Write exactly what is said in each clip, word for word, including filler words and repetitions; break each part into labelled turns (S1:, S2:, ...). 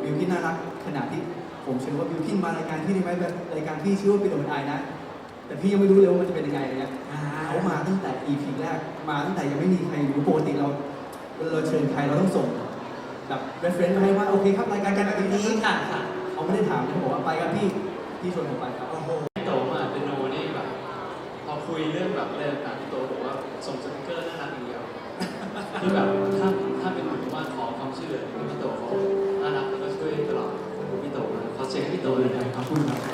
S1: บิวกิ้นน่ารักขนาดที่ผมเชื่อว่าบิวกิ้นมารายการที่นี่ไหมแบบรายการที่ชื่อว่าเป็นโดนไอนะแต่พี่ยังไม่รู้เลยว่ามันจะเป็นยังไงเลยเนี่ยเขามาตั้งแต่ อี พี แรกมาตั้งแต่ยังไม่มีใครรู้ปกติเราเราเชิญใครเราต้องส่งแบบ reference มาให้ว่าโอเคครับรายการการแบบนี้ค่ะเขาไม่ได้ถามเขาบอกว่าไปครับพี่พี่ชวนผมไปครับโอ้โห
S2: พี่โตมาเป็นโนนี่แบบพอคุยเรื่องแบบอะไรต่างๆพี่โตบอกว่าส่งสติ๊กเกอร์น่ารักอย่างเดียวที่แบบถ้าถ้าเป็นหมู่บ้านขอความช่วยเหลือพี่โตเขาน่ารักแล้วก็ช่วยตลอดพี่โตมาขอเช็คพี่โตเลยนะ
S1: ขอบคุณครับ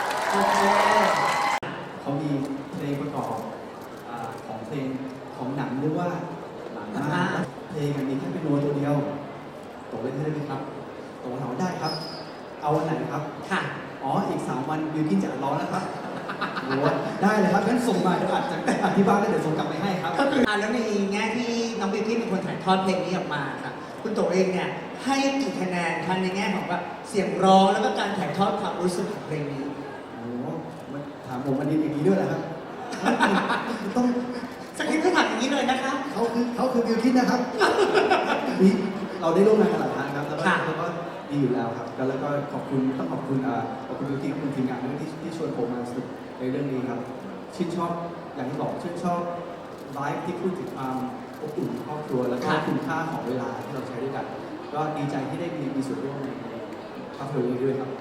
S1: เขามีเพลงประกอบของเพลงของหนังหรือว่าหนังมากเพลงมีแค่เป็นโน้ตตัวเดียวโตเล่นได้ไหมครับโตถามได้ครับเอาวันไหนครับค่ะอ๋ออีกสามวันบิวกิ้นจะร้องแล้วครับโอ้ได้เลยครับงั้นส่งมาเดี๋ยวอาจจะอธิบายแล้วเดี๋ยวส่งกลับไปให้ครับ
S3: ก็คือแล้วในแง่ที่น้องบิวกิ้นเป็นคนถ่ายทอดเพลงนี้ออกมาค่ะคุณโตเองเนี่ยให้กี่คะแนนคะในแง่ของแบบเสียงร้องแล้วก็การถ่ายทอดความรู้สึกของเพลงนี้
S1: โอ้มันถามผมวันนี้อย่างนี้ด้วยเหรอครับต้อง
S3: สคริปต์ก็ถามอย่างนี้เลยนะคะ
S1: เขาคือเขาคือบิวกิ้นนะครับนี่เราได้ร่วมงานกันหลายครั้งครับแล้วก็แล้วก็ดีอยู่แล้วครับแล้วก็ขอบคุณต้องขอบคุณขอบคุณบิวกิ้นขอบคุณทีมงานด้วยที่ที่ชวนผมมาสนุกในเรื่องนี้ครับชื่นชอบอย่างที่บอกชื่นชอบไลฟ์ที่พูดถึงความอบอุ่นครอบครัวแล้วก็คุณค่าของเวลาที่เราใช้ด้วยกันก็ดีใจที่ได้มีมีส่วนร่วมในภาพยนตร์นี้ด้วยครับ